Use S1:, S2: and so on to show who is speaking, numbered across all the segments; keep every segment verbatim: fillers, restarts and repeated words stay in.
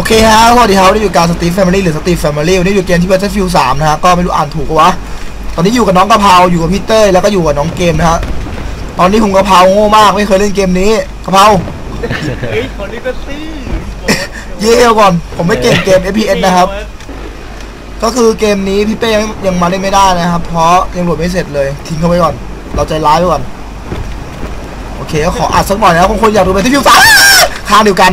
S1: เคฮะสวัสดีครับวันนี้อยู่การสตีฟแฟมิลี่หรือสตีฟแฟมิลี่วันนี้อยู่เกมที่ Battlefield สามนะฮะก็ไม่รู้อ่านถูกวะตอนนี้อยู่กับน้องกะเพราอยู่กับพี่เต้ยแล้วก็อยู่กับน้องเกมนะฮะตอนนี้ผมกะเพราโง่มากไม่เคยเล่นเกมนี้กะเพรา
S2: เฮ้ยคนนี้ก็ซี่
S1: เย่ก่อนผมไม่เก่งเกม เอฟ พี เอส นะครับก็คือเกมนี้พี่เป้ยังมาเล่นไม่ได้นะครับเพราะยังโหลดไม่เสร็จเลยทิ้งเขาไว้ก่อนเราใจร้ายไว้ก่อนโอเคก็ขออัดสักหน่อยนะบางคนอยากดู Battlefield สามข้างเดียวกัน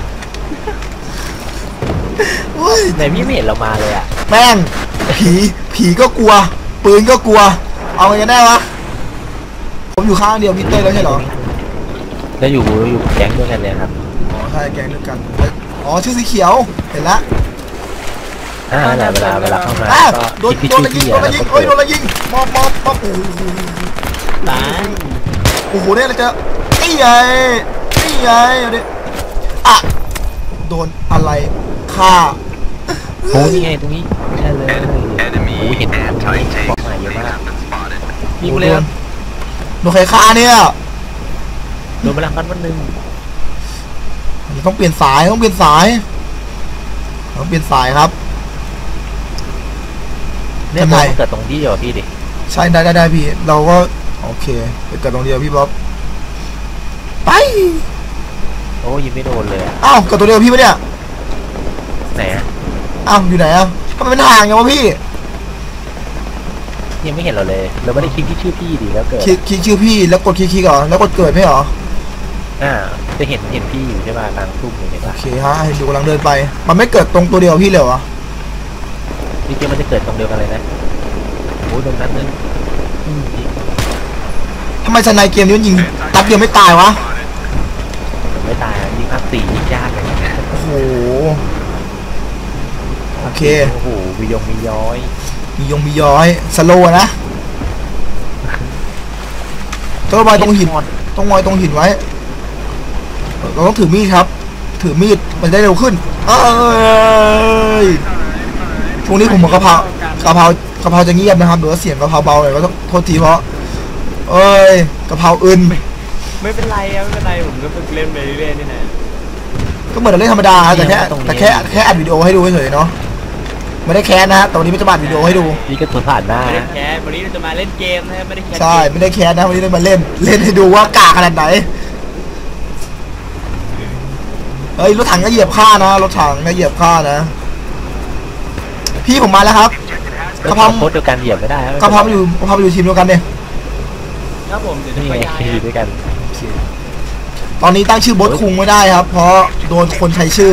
S2: ไหนพี่ไม่เห็นเรามาเลยอ่ะ
S1: แม่งผีผีก็กลัวปืนก็กลัวเอาไงกันแน่วะผมอยู่ข้างเดียวพี่เต้แล้วใช่เหรอ
S2: แล้วอยู่อยู่แก๊งด้วยกันเลยครับ
S1: อ๋อใช่แก๊งด้วยกันอ๋อชื่อสีเขียวเห็นละ
S2: อ่าเวลาเวลาเข้ามา
S1: โดนโดนอะไรยิงโดนอะไรยิงเฮ้ยโดนอะไรยิงมอบมอบมอบโอ้โหตายโอ้โหเนี่ยเราจะนี่ไงนี่ไงเดี๋ยวอ่ะโดนอะไรฆ่า
S2: โอ้ยไงตรงนี้ใช่เลยโอ้ยเห็นบอกมาเยอะมาก
S1: ยิงเลยโดนใครฆ่าเนี่ย
S2: โดนพลังกันวันหนึ่ง
S1: ต้องเปลี่ยนสายต้องเปลี่ยนสายต้องเปลี่ยนสายครับ
S2: เนี่ยมันเกิดตรงที่เดียวพี่ดิ
S1: ใช่ได้ได้ได้พี่เราก็โอเคเกิดตรงเดียวพี่บ๊อบไป
S2: โอ้ยิงไม่โดนเลย
S1: อ้าวเกิดตัวเดียวพี่ปะเนี่ย
S2: ไหนอ่ะ
S1: อ้าวอยู่ไหนอ่ะทำไมเป็นห่างอย่างวะพี่
S2: ยังไม่เห็นเราเลยเราไม่ได้คลิกที่ชื่อพี่ดิแล้วเกิด
S1: คลิกคลิกชื่อพี่แล้วกดคลิกคลิกเหรอแล้วกดเกิดไม่เหรอ
S2: อ่าจะเห็นเห็นพี่อยู่ใช่ป่ะกลางทุ่งเลยเห็นป่ะ
S1: โอเคฮะเห็นอยู่กำลังเดินไปมันไม่เกิดตรงตัวเดียวพี่เลยเหรอ
S2: จริงๆมันจะเกิดตรงเดียวกันเลยนะโอ้ยตรงนั้นนึง
S1: ทำไมชนายเกมนี้มันยิงตัดเดียวไม่ตายวะ
S2: ไม่ตายยิงภาคสี่ยิงยากเลย
S1: โอ้โหโอเค
S2: โอ้โหมียงมีย้อย
S1: มียงมีย้อยสโลว์นะต้องไว้ตรงหินต้องไว้ตรงหินไว้เราต้องถือมีดครับถือมีดมันได้เร็วขึ้นเอ้ยช่วงนี้ผมเหมือนกะเพรากะเพรากะเพราจะเงียบนะครับหรือว่าเสียงกะเพราเบาเลยก็ต้องโทษทีเพราะเอ้ยกะเพราอื่น
S2: ไม่เป็นไรไม่เป็นไรผมก็ฝึกเล่นไปเรื่อยๆนี่นะ
S1: ก็เหมือนเราเล่นธรรมดาแต่แค่แต่แค่แค่อัดวิดีโอให้ดูเฉยๆเนาะไม่ได้แคสนะแต่วันนี้ไม่จะอัดวิดีโอให้ดู
S2: นี่ก็ตัวผ่านหน้าไม่ได้แคสวันนี้เราจะมาเล่นเกมนะไม่ได้แคส
S1: ใช่ไม่ได้แคสนะวันนี้เรามาเล่นเล่นให้ดูว่ากากขนาดไหนเฮ้ยรถถังก็เหยียบข้านะรถถังก็เหยียบข้านะพี่ผมมาแล้วครับ
S2: กระเพราโคตรเดียวกันเหยียบไม่ได้
S1: กระเพราอยู่กระเพราอยู่ทีมเดียวกันเนี่ย
S2: ครับผมจะไปย้ายด้วยกัน
S1: ตอนนี้ตั้งชื่อบอสคุงไม่ได้ครับเพราะโดนคนใช้ชื่อ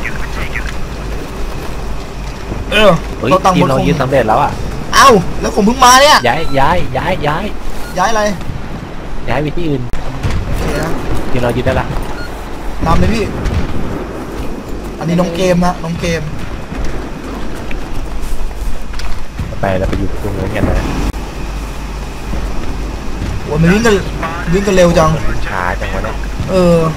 S1: เออ
S2: เราตั้งบอสคุงสำเร็จแล้วอ่ะ
S1: เอ้าแล้วผมเพิ่งมาเนี่ย
S2: ย้ายย้ายย้ายย้าย
S1: ย้ายอะไร
S2: ย้ายไปที่อื่นทีเรายึดได้ละ
S1: นำเลยพี่อันนี้น้องเกมนะน้องเกม
S2: ไปแล้วไปอยู่ตรงนู้นกันนะ
S1: โอ้ยมันวิ่งกันวิ่งกันเร็วจัง
S2: ช้าจังวะเนี่ย
S1: เออ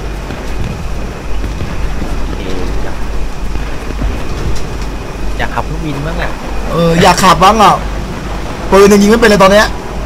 S2: อยากขับเครื่องบินบ้างอ่ะ
S1: เอออยากขับบ้างอ่ะปืนยิงไม่เป็นเลยตอนเนี้ย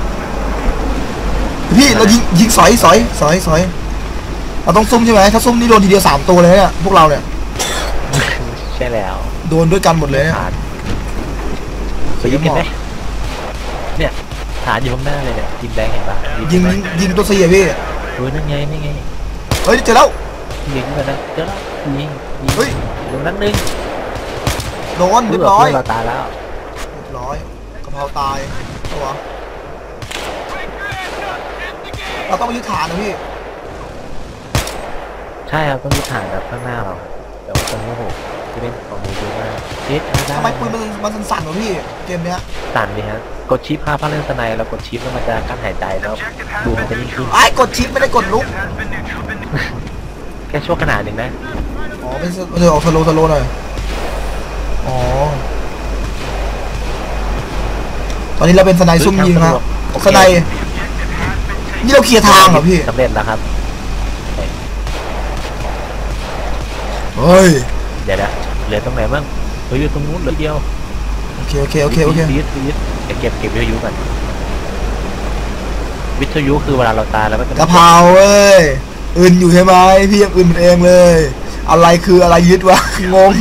S1: พี่เรายิงยิงสอยสอยสอยสอยเราต้องซุ่มใช่ไหมถ้าซุ่มนี่โดนทีเดียวสามตัวเลยเนี่ยพวกเราเนี่ย
S2: ใช่แล้ว
S1: โดนด้วยกันหมดเลย
S2: เคยยิงกันไหมเนี่ยฐานอยู่ข้างหน้าเลยเนี่ยยิงแดงเห็นปะ
S1: ยิงยิงตัวเสียพี่
S2: เฮ้ยนั่นไงนี่ไง
S1: เฮ้ยเจอแล้ว
S2: ยิงกันนะเจอแล้วยิง
S1: เฮ้ย
S2: ตรงนั้นนึง
S1: โดนเรียบร้อย
S2: เราตายแล้ว
S1: เรียบร้อยกะเพราตายตัวเราต้องไปยึดฐานนะพี่
S2: ใช่ครับต้องยึดฐานแบบข้างหน้าเราแต่ว่าตรงนี้โหจะเป็นของมือเยอะมากเจ็ด
S1: ทำไมปืนมันมันสั่นๆวะพี่เกมเนี้ย
S2: สั่นดิฮะกดชิปพาพาเล่นสไนแล้วกดชิปแล้วมันจะกั้นหายใจแล้วดูมันจะยิ่งขึ้น
S1: ไอ้กดชิปไม่ได้กดลุก
S2: แค่ช่วงขนาดหนึ่งนะ
S1: อ๋อไม่ไม่ใช่ออกสโลสโลหน่อยอ๋อตอนนี้เราเป็นสไนซุ่มยิงครับสไนนี่เราเคลียร์ทางเหรอพี่
S2: สำเร็จแล้วครับ
S1: เฮ้ย
S2: เดี๋ยวนะเหลือตรงไหนบ้างเหลืออยู่ตรงนู้นเหลือเดียว
S1: โอเคโอเคโอเคโอเค
S2: ยึดยึดเดี๋ยวเก็บเก็บวิทยุกันวิทยุคือเวลาเราตายแล้วก็
S1: กะเพราเว้ยอื่นอยู่ใช่ไหมพี่ยังอื่นเองเลยอะไรคืออะไรยึดวะงง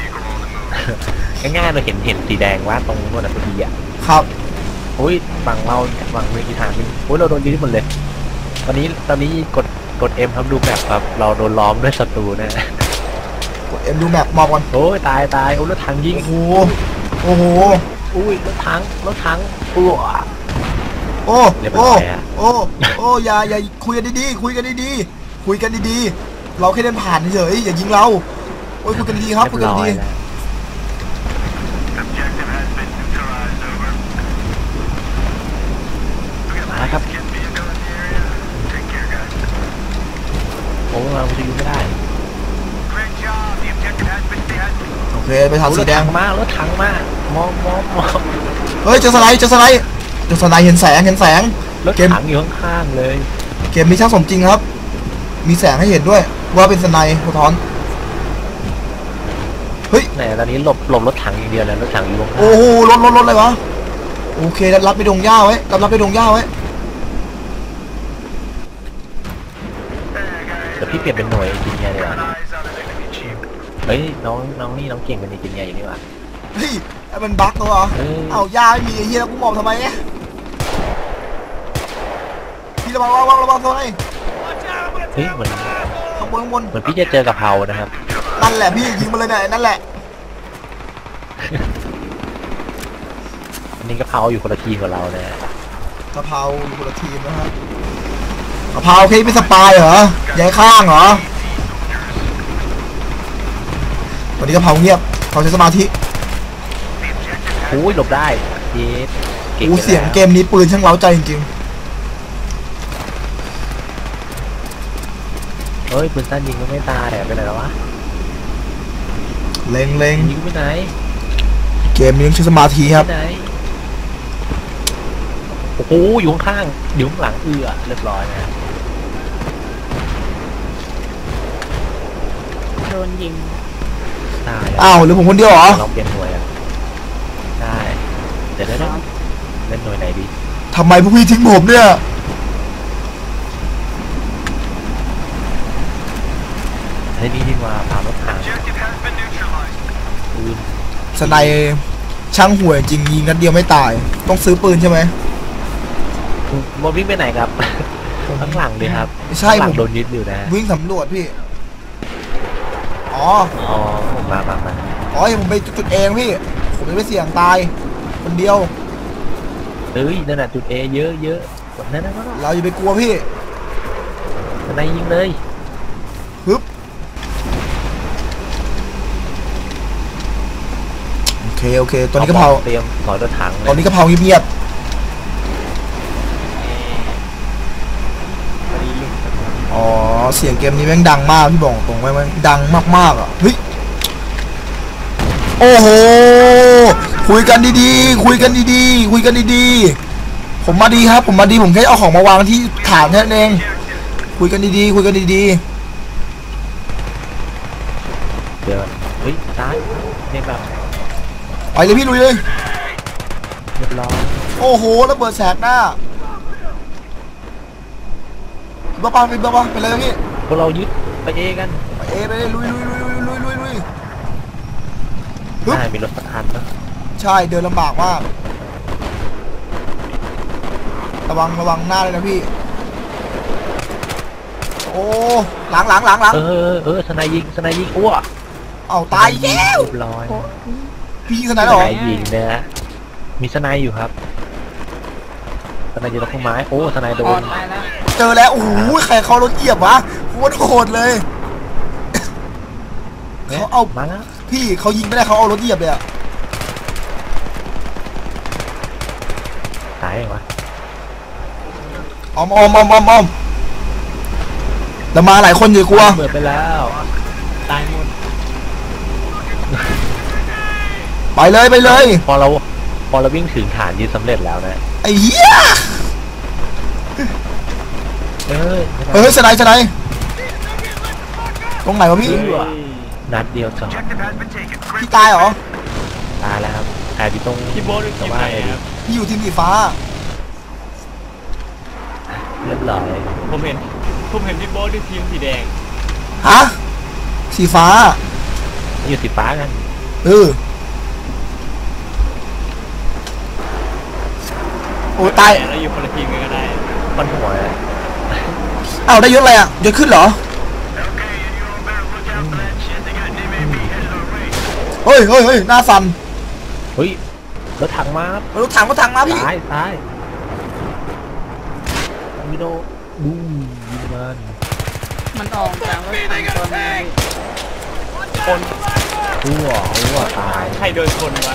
S2: ง่ายๆเราเห็นเห็นสีแดงว่าตรงนู้นน่ะพอดีอ่ะ
S1: ครับ
S2: โอ้ยฝั่งเราฝั่งเมืองอีธานโอ้ยเราโดนยึดหมดเลย ตอนนี้ตอนนี้กดกดเอ็มครับดูแบบครับ เราโดนล้อมด้วยศัตรูนะ
S1: กดเอ็มดูแมปมอบก่อน
S2: โอ้ยตายตายโอ้ยรถถังยิง
S1: โอ้โหโอ้โห
S2: อุ้ยรถถังรถถังอ้ว
S1: โอ้
S2: เรียบร้
S1: โอ้
S2: อยอะ
S1: โอ้โอ้อย่าอย่าคุยกันดีๆคุยกันดีๆคุยกันดีๆเราแค่เดินผ่านเฉยๆอย่ายิงเราโอ้ยคุยกันดีๆครับคุย
S2: เรี
S1: กั
S2: ย
S1: น
S2: บร้อ
S1: ดี
S2: ยแล้วมาครับโอ้ยเราจะอยู่ไม่ได้
S1: โอเคไปทาง
S2: โอ้ย
S1: สี
S2: รถ
S1: แด
S2: ถั
S1: ง
S2: งมากรถถังมากมองมองมอง
S1: เฮ้ยเจอสไลด์เจอสไลด์เจอสไลด์เห็นแสงเห็นแสง
S2: รถถังอยู่ข้างๆเลย
S1: เกมมีช่างสมจริงครับ มีแสงให้เห็นด้วย ว่าเป็นสไนป์สะท้อนเฮ้ย
S2: ไหนตอนนี้หลบหลบรถถังอย่างเดียวเลยรถถังอยู่ข้าง
S1: โอ้โหรถรถรถอะไรวะโอเครับรับไปดงหญ้าไว้รับรับไปดงหญ้าไว้
S2: เดี๋ยวพี่เปลี่ยนเป็นหน่วยจินเนียร์ดีกว่าเฮ้ยน้องน้องนี่น้องเก่งเป็นจินเนียร์อยู่นี่หว่า
S1: เฮ้ยไอ้มันบั๊กตัวเหรอ
S2: เออ
S1: เอาหญ้าไม่มีไอ้เหี้ยแล้วกูมองทำไมเนี่ยพี่ระวังระวังระวังตัวไหน
S2: เฮ้ยเหมือน
S1: ข้างบนข้างบน
S2: เหมือนพี่จะเจอกะเพรานะครับ
S1: นั่นแหละพี่ยิงมาเลยเนี่ยนั่นแหละ
S2: อันนี้กะเพราอยู่คนละทีมกับเรานะ
S1: กะเพราอยู่คนละทีมนะฮะกะเพราเคยเป็นสปายเหรอย้ายข้างเหรอวันนี้กะเพราเงียบเขาใช้สมาธิ
S2: โอ้ยหลบได้เย้เก่ง
S1: อู้เสียงเกมนี้ปืนช่างเล้าใจจริง
S2: เฮ้ยปืนสั้นยิงก็ไม่ตายอะไปไหนแล้ววะ
S1: ๆเล็งเล็ง
S2: ยิงไปไหน
S1: เกมนี้ต้องใช้สมาธิครับ
S2: ไปไหนโอ้โหอยู่ข้างๆอยู่ข้างหลังเอือเรียบร้อยนะ
S3: โดนยิง
S2: ตายแล้ว
S1: อ้าวหรือผมคนเดียวเหรอ
S2: ลองเปลี่ยนหน่วยอ่ะได้เดี๋ยวได้เล่นหน่วยไหนดี
S1: ทำไมพวกพี่ทิ้งผมเนี่ย
S2: เฮ้ยนี่ดีกว่าพารถถังปืน
S1: สไนป์ช่างห่วยจริงยิงนัดเดียวไม่ตาย ต้องซื้อปืนใช่ไหม
S2: โมวิ่งไปไหนครับ ข้างหลังเลยครับ
S1: ไม่ใช่
S2: ข้างหลั
S1: ผ
S2: ง
S1: ม
S2: โดนยึดอยู่นะ
S1: วิ่งสำรวจพี่ อ๋อ
S2: อ๋อผมมามามา
S1: อ๋อเห็นผมไปจุดเองพี่ ผมจะไปเสี่ยงตาย คนเดียว
S2: เอ้ยนั่นน่ะจุดเอเยอะเยอะกดนั่นนะก็
S1: เราอย่าไปกลัวพี่
S2: ทนายยิงเลย
S1: ฮึบโอเคโอเค ตอนนี้กะเพรา
S2: เตรียมถอยรถถังเลย
S1: ตอนนี้กะเพราเงียบๆอ๋อ เสียงเกมนี้แม่งดังมากพี่บอกตรงไว้แม่งดังมากๆอ่ะ เฮ้ย โอ้โห คุยกันดีๆ คุยกันดีๆ คุยกันดีๆ ผมมาดีครับ ผมมาดี ผมแค่เอาของมาวางที่ฐานแค่นั้นเอง คุยกันดีๆ คุยกันดี
S2: เดี๋ยวเฮ้ยซ้ายเนี่ยแบบ
S1: ๆ ไปเลยพี่ลุยเลย
S2: เรียบร้อย
S1: โอ้โหระเบิดแสกหน้าบ้าปะไปบ้าปะไปเลยพี่
S2: พวกเรายึดไปเอกัน
S1: ไปเอไปเลยลุยลุยลุยลุยลุยลุยลุยฮึบ
S2: ได้มีรถสักคันนะ
S1: ใช่เดินลำบากมาก ระวังระวังหน้าเลยนะพี่ โอ้หลังหลังหลังหลัง
S2: เออเออสนายยิงสนายยิงอ้ว
S1: เอาตายอีกแล้ว
S2: เรียบร้อย
S1: พี่ยิงส
S2: ส
S1: ไนด์เหรอ
S2: นายยิงนะฮะมีสนายอยู่ครับสนายอยู่ตรงต้นไม้โอ้สนายโด
S3: ออน ดตายแล้ว
S1: เจอแล้วโอ้โหใครเขารถเหยียบวะโคตรโหดเลย เขาเอา
S2: มาแล้ว
S1: พี่เขายิงไม่ได้เขาเอารถเหยียบเลยอะ
S2: ตายเหรอวะ
S1: ออมออมออมออมออมแต่มาหลายคนอย่ากลัว
S2: เปิดไปแล้วตายหมด
S1: ไปเลยไปเลย
S2: พอเราพอเราวิ่งถึงฐานยึดสำเร็จแล้วนะ
S1: ไอ้เหี้ย
S2: เออ
S1: เฮ้ยสไนด์สไนด์ตรงไหนวะพี่
S2: นัดเดียวจอด
S1: พี่ตายเหรอ
S2: ตายแล้วครับแอบอยู่ตรง
S4: พี่โบ๊ทอยู่
S2: แต่
S4: ทีม
S2: ว่า
S4: ไหน
S2: ไอ้
S4: ครับ
S1: พี่อยู่ทีมสีฟ้า
S2: เรียบร้อย
S4: ผมเห็นผมเห็นพี่โบ๊ทที่ทีมสีแดง
S1: ฮะสีฟ้า
S2: อยู่สีฟ้ากัน
S1: เออโอ้ตาย
S3: เราอยู่คนละทีมกันก็ได้
S2: คนหัวเลย
S1: อ้าวได้ยศอะไรอ่ะยศขึ้นเหรอเฮ้ยเฮ้ยเฮ้ยหน้าสั่น
S2: เฮ้ยรถถังมาครับ
S1: รถถังรถถังมาพี่
S2: ซ้ายซ้ายมิโดบูมยิงมัน
S4: มันออกจากรถถังตัวนี้
S3: คน
S2: หัวหัวตาย
S3: ใครโดนคนวะ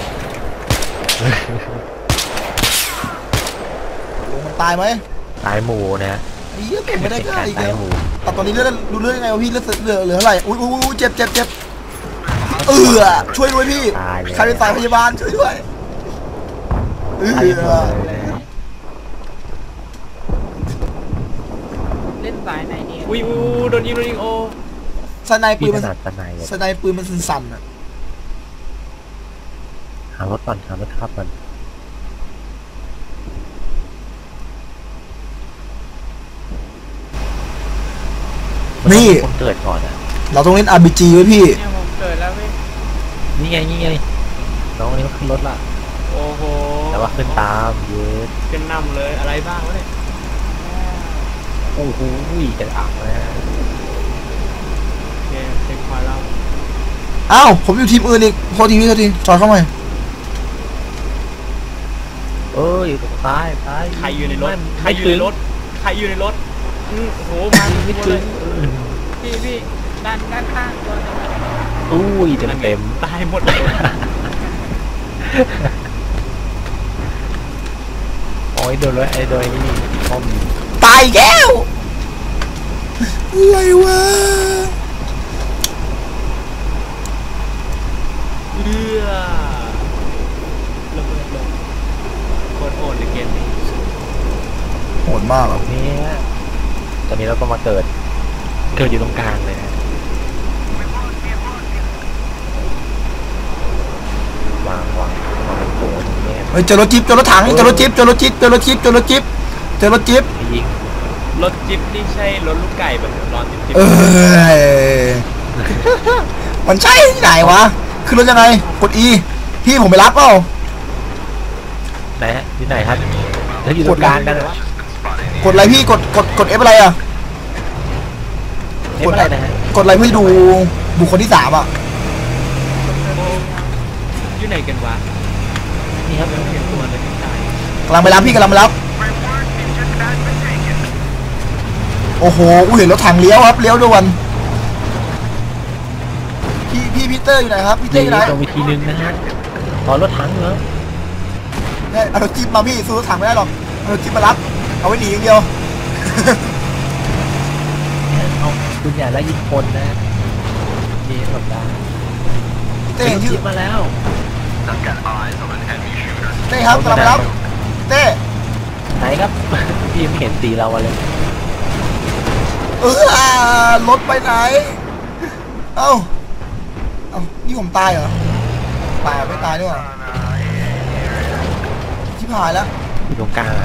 S1: ลุงมันตายไหม
S2: ตายหมูนะ
S1: ไอ้เหี้ยผมไม่ได้ฆ่าอีก
S2: ตาย
S1: แล้ว
S2: หมู
S1: แต่ตอนนี้เลือดรู้เรื่องยังไงวะพี่เลือดเหลือเหลือเท่าไหร่อุ้ยอุ้ยอุ้ยเจ็บเจ็บเจ็บเออช่วยด้วยพี่
S2: ตายเลย
S1: ใครเป็นสายพยาบาลช่วยด้วยเออ
S2: ตายหมดเลย
S4: เล่นสายไหนเนี่ย
S3: อุ้ยอุ้ยโดนยิงโดนยิงโอ้
S1: สไนปื
S2: พี่
S1: น
S2: ข
S1: มัน
S2: นาดตะไนเลย
S1: สไนปืนมันสั่นๆอ่ะ
S2: หารถก่อนหารถขับก่อนมัต้องมีคนเกิดก่อนอ่ะ
S1: เราต้องเล่น อาร์ พี จี ไว้พี่
S4: เนี่ยผมเกิดแล้วเว้ย
S2: นี่ไงนี่ไงน้องคนนี้มันขึ้นรถละ
S3: โอ้โห
S2: แต่ว่าขึ้นตามเยส
S3: ขึ้นนำเลยอะไรบ้างวะเนี่ย
S2: โอ้โหจะอักนะ
S3: โอเคเช็คพอยต์แล้ว
S1: อ้าวผมอยู่ทีมอื่นอีกโทษทีพี่โทษทีจอยเข้ามา
S2: เอ้ยอยู่ตรงซ้ายซ้าย
S3: ใครอยู่ในรถ
S2: ไม่
S3: ใครอยู่ในรถใครอยู่ในรถอืมโอ้โหมา
S2: ไม่
S3: หมด
S2: ถึ
S3: เล
S2: ง
S3: ย
S4: พี่พี่ด้านด้านข้างตัวนึงอะ
S2: อุ้ยเต็มเต็ม
S3: ตายหมดเลย
S2: โอ้ยโดนเลยไอ้โดยนี่คอม
S1: ตายแก้วอะไรวะ
S3: เลือระเบิดลงโคตรโหดในเกมนี้
S1: โหดมากอ่ะ
S2: เนี่ยตอนนี้เราก็มาเกิดเกิดอยู่ตรงกลางเลยนะวางวางวางเป็นโถอย่างเงี้ย
S1: เฮ้ยเจอรถจิ๊บเจอรถถังเจอรถจิ๊บเจอรถจิ๊บเจอรถจิ๊บเจอรถจิ๊บเจอรถจิ๊บ
S2: ยิง
S3: รถจิ๊บนี่ใช่รถลูกไก่แบบรอนจิ๊บจิ๊บ
S1: เอ้ยมันใช่ที่ไหนวะขึ้นรถยังไงกด E พี่ผมไปรับเปล่า
S2: ไหนฮะที่ไหนครับถ้าอยู่ตรงกลางกันเหรอก
S1: ดอะไรพี่กดกดกด F อะไรอ่ะ
S2: เอ๊ะอะไรนะฮะ
S1: กดอะไรเพื่อดูบุคคลที่สามอ่ะ
S3: โอ้อยู่ไหนกันวะ
S2: นี่ครับ
S3: ไม่เห็นตัวเลยที่ตาย
S1: กำลังไปรับพี่กำลังไปรับโอ้โหกูเห็นรถถังเลี้ยวครับเลี้ยวด่วนพี่พี่พีเตอร์อยู่ไหนครับพี่เตอ
S2: นี่
S1: ร์อยู่ไหน
S2: ตรงวิธีนึงนะฮะตอนรถถังเหรอ
S1: เนี่ยเอารถจิ๊บมาพี่ซื้อรถถังไม่ได้หรอกเอารถจิ๊บมารับเอาไว้หนีอย่างเดียว
S2: เอาคุณอย่าไล่ยิงคนนะนี่หลบได้
S1: เต้เห็นชื่อ
S2: จิ๊บมาแล้ว
S1: เต้ครับกำลังไปรับเต้
S2: ไหนครับ พี่ไม่เห็นสีเราเลย
S1: เออรถไปไหนเอ้าเอ้านี่ผมตายเหรอตายไม่ตายด้วยเหรอชิบหายแล้ว
S2: อยู่ตรงกลางอะ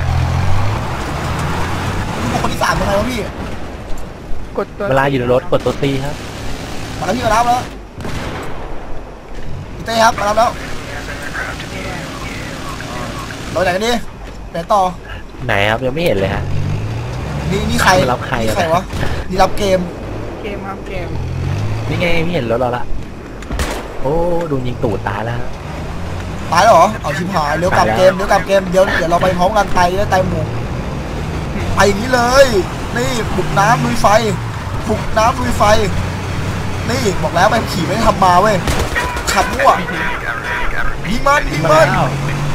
S1: บุคคลที่สามเป็นไงวะพี่
S4: กดตัว
S2: เวลาอยู่ในรถกดตัวตีครับ
S1: มาแล้วพี่มารับแล้วพี่เต้ครับมารับแล้วเราไหนกันดิไหนต่อ
S2: ไหนครับยังไม่เห็นเลยฮะ
S1: นี่นี่ใคร
S2: มารับใคร
S1: นี่ใครวะนี่รับเกม
S4: เกมครับเกม
S2: นี่ไงไม่เห็นรถเราละโอ้โดนยิงตูดตายแล้วฮะ
S1: ตายแล้วเหรอเอาชิบหายเร็วกลับ
S2: ตายแล้ว
S1: เกมเร็วกลับเกมเดี๋ยวเดี๋ยวเราไปพร้อมกันไปแล้วตายหมู่ไปอย่างนี้เลยนี่บุกน้ำลุยไฟบุกน้ำลุยไฟนี่บอกแล้วไปขี่ไม่ได้ทำมาเว้ยขับมั่วยิงมันยิง
S2: มา
S1: มัน
S2: แล้ว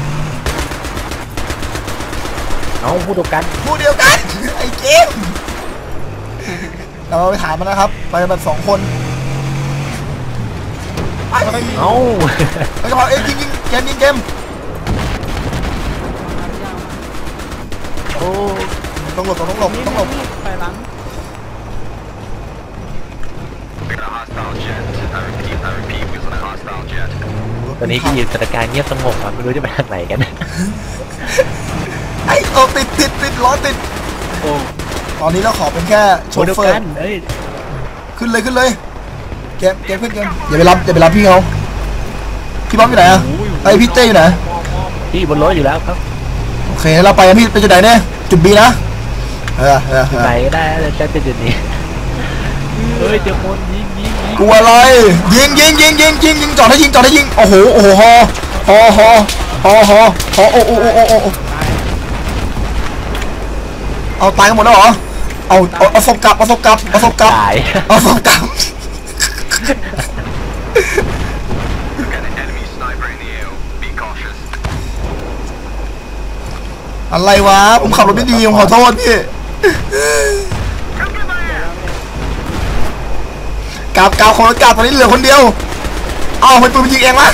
S2: เอาพูดตรงกัน
S1: พูดเดียวกัน ไอ้เกมเราไปถามมันนะครับ ไปแบบสองคนไป
S2: เอา
S1: ไปกระเพราเอ้ยยิงยิงเกมยิงเกม
S2: โอ้
S1: ต้องหลบต้องหลบ
S4: นี่
S1: ต้องหลบ
S4: นี่ไปหลัง
S2: ตอนนี้ที่อยู่สถานการณ์เงียบสงบครับไม่รู้จะไปทางไหนกัน
S1: ไอ้โอ้ติดติดติดล้อติด
S3: โอ้
S1: ตอนนี้เราขอเป็นแค่โช
S2: โชว์เดียว
S1: เฟอร์
S2: กันเอ้ย
S1: ขึ้นเลยขึ้นเลยเกมเกมขึ้นเกมอย่าไปรับอย่าไปรับพี่เขาพี่บ๊อบอยู่ไหนอะไอพี่เต้อยู่ไหน
S2: พี่บนรถอยู่แล้วครับ
S1: โอเคเราไปกันพี่ไปจุดไหนเนี่ยจุดบีนะเออเออเออ
S2: ไหนก็ได้แต่จะจุดนี้
S3: เฮ้ยเดี๋ยวคนยิงยิงยิง
S1: กลัวอะไรยิงยิงยิงยิงยิงยิงจอดให้ยิงจอดให้ยิงโอ้โหโอ้โหฮอฮอฮอฮอฮอฮอโอ้โอ้โอ้โอ้โอ้เอาตายกันหมดแล้วเหรอเอาเอาเอาศพกลับเอาศพกลับเอาศพกลับ
S2: ตาย
S1: เอาศพกลับอะไรวะผมขับรถไม่ดีผมขอโทษพี่กลับกลับคนละกลับตอนนี้เหลือคนเดียวเอามันปืนมันยิงเองวะ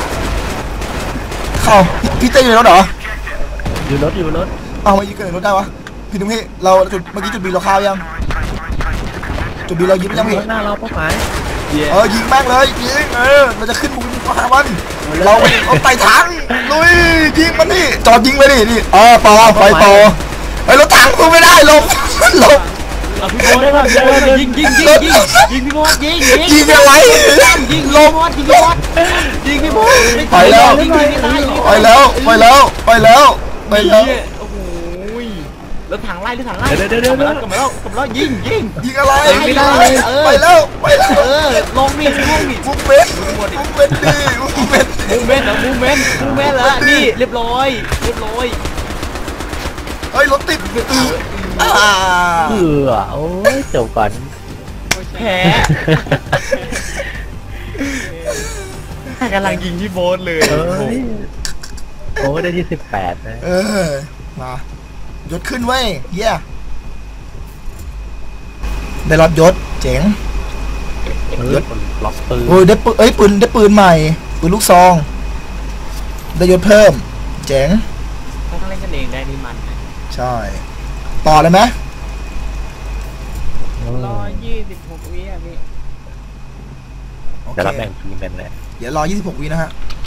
S1: เข้าพี่เต้อยู่ในรถเหรอ
S2: อยู่รถอยู่รถ
S1: เอามายิงเกิดในรถได้วะพี่ตุ้มพี่เราจุดเมื่อกี้จุดบีเราข้าวยังจุดบีเรายิงยังพี่
S2: หน้าเราเป้าหมาย
S1: เออยิงแม่งเลยยิงเออเราจะขึ้นบุกยิงหามันเราเอาไต่ถังลุยยิงมันนี่จอดยิงไปดินี่เออต่อไฟต่อไอ้รถถังสู้ไม่ได้ลงลง
S3: เอาพี่โบ๊ทได้ป่ะเดี๋ยวยิงยิงยิงยิงยิงพี่โบ๊ทยิงยิง
S1: ยิงอะไร
S3: ยิง
S1: ล
S3: พี่
S1: ง
S3: โบ๊ทยิงพี่โบ๊ทยิงพี่โบ๊ท
S1: ไปแล้ว
S3: ยิงยิงไม่ตาย
S1: ไปแล้วไปแล้วไปแล้วไปแล้ว
S3: โอ้โหแล้วถังไล่หรือถังไล่เดี๋ยวเดี๋ยวเดี๋ยวกลับมาแล้วกลับมาแล้วยิงยิง
S1: ยิงอะไร
S3: ไม่ได้
S1: ไปแล้วไปแล้ว
S3: เออลงนี่ลงนี่
S1: มุกเบนมุกเบนดีมุกเบน
S3: มูเมนต์เหรอมูเมนต์มูเมนต์เหรอนี่เรียบร้อยเรียบร้อย
S1: เฮ้ยรถติดอืออ่า
S2: เออโอ้ยจบก่อน
S3: แพ้กำลังยิงพี่โบ๊ทเลย
S2: เอ้ยโอ้ได้ที่สิบแปดนะ
S1: เออมายศขึ้นเว้ยเยี่ยได้รับยศเจ๋ง
S2: เฮ้ยคนล็อกปืน
S1: โอ้ยได้ปืนเอ้ยปืนได้ปืนใหม่ปืนลูกซองได้ยศเพิ่มเจ๋ง
S3: เขาต้องเล่นกันเองได้นี่มัน
S1: ใช่ต่อเลยไหม
S4: รอยี่สิบหกวิอ่ะพี่
S1: โอเค
S2: เดี๋ยวเราแบ่งทีมกันเลย
S1: เดี๋ยวรอยี่สิบหกวินะฮะ